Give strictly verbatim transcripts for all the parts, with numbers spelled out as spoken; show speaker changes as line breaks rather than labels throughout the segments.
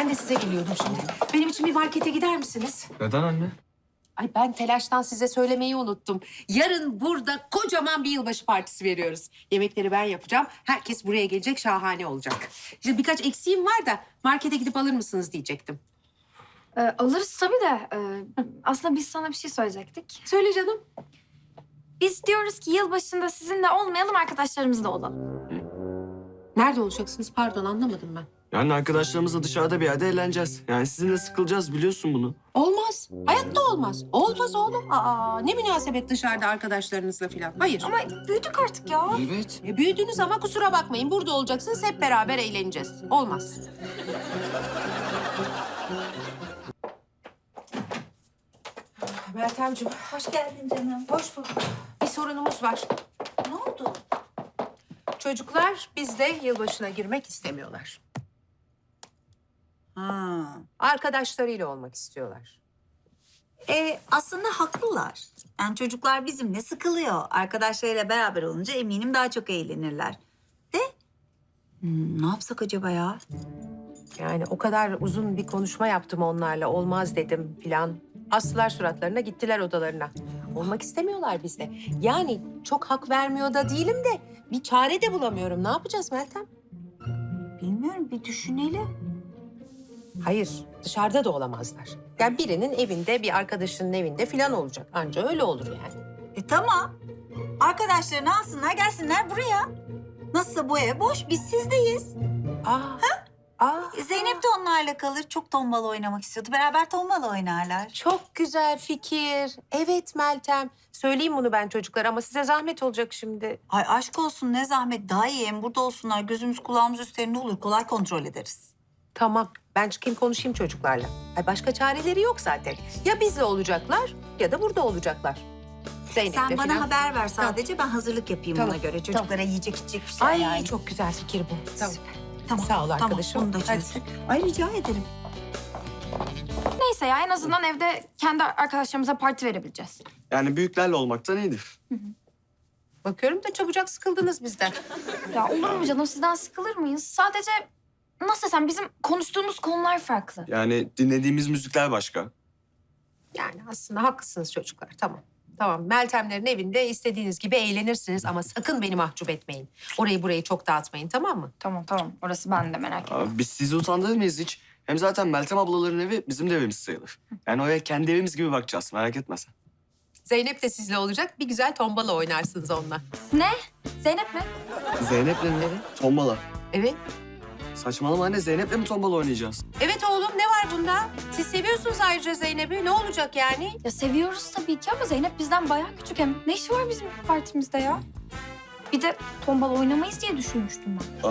Ben de size geliyordum şimdi. Benim için bir markete gider misiniz?
Neden anne?
Ay ben telaştan size söylemeyi unuttum. Yarın burada kocaman bir yılbaşı partisi veriyoruz. Yemekleri ben yapacağım. Herkes buraya gelecek, şahane olacak. Şimdi birkaç eksiğim var da markete gidip alır mısınız diyecektim.
Ee, alırız tabii de. e, aslında biz sana bir şey söyleyecektik.
Söyle canım.
Biz diyoruz ki yılbaşında sizinle olmayalım, arkadaşlarımızla olalım.
Nerede olacaksınız? Pardon anlamadım ben.
Yani arkadaşlarımızla dışarıda bir yerde eğleneceğiz. Yani sizinle sıkılacağız biliyorsun bunu.
Olmaz. Hayatta olmaz. Olmaz oğlum. Aa, ne münasebet dışarıda arkadaşlarınızla falan. Hayır.
Ama büyüdük artık ya.
Evet.
E, büyüdünüz ama kusura bakmayın. Burada olacaksınız. Hep beraber eğleneceğiz. Olmaz. Meltemciğim.
Hoş geldin canım.
Hoş bulduk. Bir sorunumuz var.
Ne oldu?
Çocuklar bizde yılbaşına girmek istemiyorlar.
Ha.
Arkadaşlarıyla olmak istiyorlar.
E, aslında haklılar. Yani çocuklar bizimle sıkılıyor. Arkadaşlarıyla beraber olunca eminim daha çok eğlenirler. De hmm, ne yapsak acaba ya?
Yani o kadar uzun bir konuşma yaptım onlarla. Olmaz dedim filan. Astılar suratlarına, gittiler odalarına. Olmak istemiyorlar bizde. Yani çok hak vermiyor da değilim de bir çare de bulamıyorum. Ne yapacağız Meltem?
Bilmiyorum, bir düşünelim.
Hayır, dışarıda da olamazlar. Yani birinin evinde, bir arkadaşının evinde filan olacak. Anca öyle olur yani.
E tamam. Arkadaşlarını alsınlar, gelsinler buraya. Nasılsa bu ev boş, biz sizdeyiz.
Aa, aa,
E, Zeynep de onlarla kalır. Çok tombala oynamak istiyordu. Beraber tombala oynarlar.
çok güzel fikir. Evet Meltem. Söyleyeyim bunu ben çocuklara ama size zahmet olacak şimdi.
Ay aşk olsun, ne zahmet. Daha iyi hem burada olsunlar. Gözümüz kulağımız üstlerinde olur. Kolay kontrol ederiz.
Tamam, ben çıkayım konuşayım çocuklarla. Ay başka çareleri yok zaten. Ya bizle olacaklar ya da burada olacaklar. Zeynep'le
Sen bana
filan.
haber ver sadece. Ben hazırlık yapayım
Tamam,
ona göre. Çocuklara yiyecek içecek bir şey
Ay
yani.
çok güzel fikir bu. Tamam.
Tamam.
Sağ ol arkadaşım.
Tamam, onu da
Hadi.
çözdük. Ay rica ederim.
Neyse ya, en azından evde kendi arkadaşlarımıza parti verebileceğiz.
Yani büyüklerle olmaktan iyidir.
Bakıyorum da çabucak sıkıldınız bizden.
Ya olur mu canım, sizden sıkılır mıyız? Sadece nasıl desem, bizim konuştuğumuz konular farklı.
Yani dinlediğimiz müzikler başka.
Yani aslında haklısınız çocuklar. Tamam. Tamam. Meltemlerin evinde istediğiniz gibi eğlenirsiniz ama sakın beni mahcup etmeyin. Orayı burayı çok dağıtmayın, tamam mı?
Tamam tamam, orası ben de merak etme.
Abi biz sizi utandırır mıyız hiç? Hem zaten Meltem ablaların evi bizim de evimiz sayılır. Yani oraya kendi evimiz gibi bakacağız. Merak etme sen.
Zeynep de sizle olacak. Bir güzel tombala oynarsınız onunla.
Ne? Zeynep mi?
Zeynep'le mi? Tombala.
Evet.
Saçmalama anne, Zeynep'le mi tombala oynayacağız?
Evet oğlum, ne var bunda? Siz seviyorsunuz ayrıca Zeynep'i. Ne olacak yani?
Ya seviyoruz tabii ki ama Zeynep bizden bayağı küçük hem. Ne işi var bizim partimizde ya? Bir de tombala oynamayız diye düşünmüştüm ben.
Aa,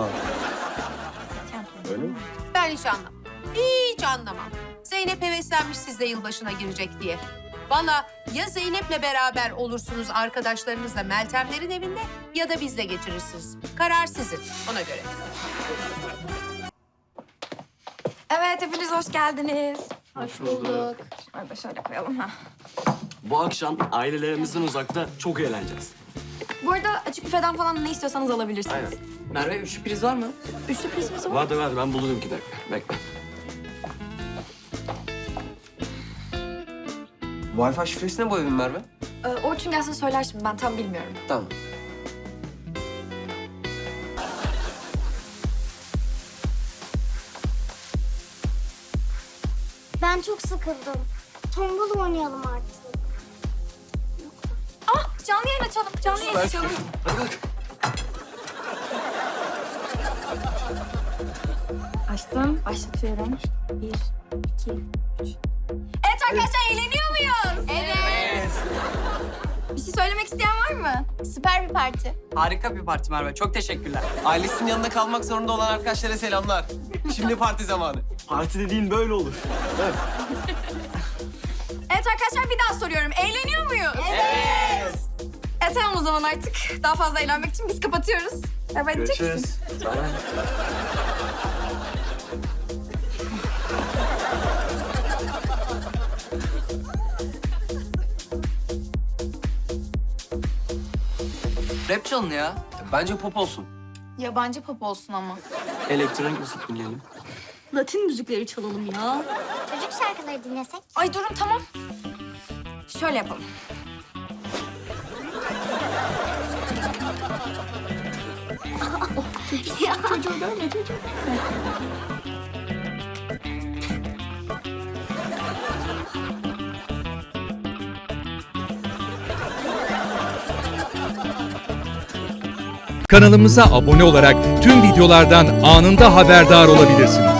öyle mi?
Ben hiç anlamam. Hiç anlamam. Zeynep heveslenmiş sizle yılbaşına girecek diye. Vallahi ya Zeynep'le beraber olursunuz arkadaşlarınızla Meltemlerin evinde ya da bizle geçirirsiniz. Karar sizin, ona göre.
Evet, hepiniz hoş geldiniz.
Hoş bulduk.
Şöyle şöyle koyalım ha.
Bu akşam ailelerimizden uzakta çok eğleneceğiz.
Bu arada açık büfeden falan ne istiyorsanız alabilirsiniz.
Aynen.
Merve üçlü priz var mı?
Üçlü prizimiz var.
Vardır vardır, ben bulurum iki dakika. Bekle.
Wi-Fi şifresine boyadın Merve.
Ee, Orçun gelsin söyler şimdi, ben tam bilmiyorum.
Tamam.
Ben çok sıkıldım. Tombala oynayalım artık.
Ah, canlı yayın açalım, canlı yayın açalım.
Hadi kalk.
Açtım, başlatıyorum. Bir, iki, üç. Evet arkadaşlar, eğleniyor muyuz? Evet. Bir şey söylemek isteyen var mı? Süper bir parti.
Harika bir parti Merve. Çok teşekkürler. Ailesinin yanında kalmak zorunda olan arkadaşlara selamlar. Şimdi parti zamanı.
Parti dediğin böyle olur. Evet.
Evet arkadaşlar, bir daha soruyorum. Eğleniyor muyuz? Evet. Evet tamam o zaman artık. Daha fazla eğlenmek için biz kapatıyoruz. Evet, diyecek misin?
Görüşürüz. Tamam.
Rap çalın ya. Bence pop olsun.
Yabancı pop olsun ama.
Elektronik müzik dinleyelim.
Latin müzikleri çalalım ya.
Çocuk şarkıları dinlesek.
Ay durun tamam. Şöyle yapalım. Çocuğu görme çocuğu.
Kanalımıza abone olarak tüm videolardan anında haberdar olabilirsiniz.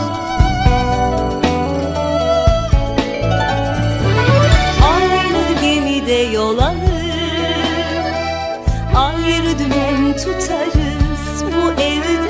Aynı gemide yol alır, ayrı dümen tutarız bu evde.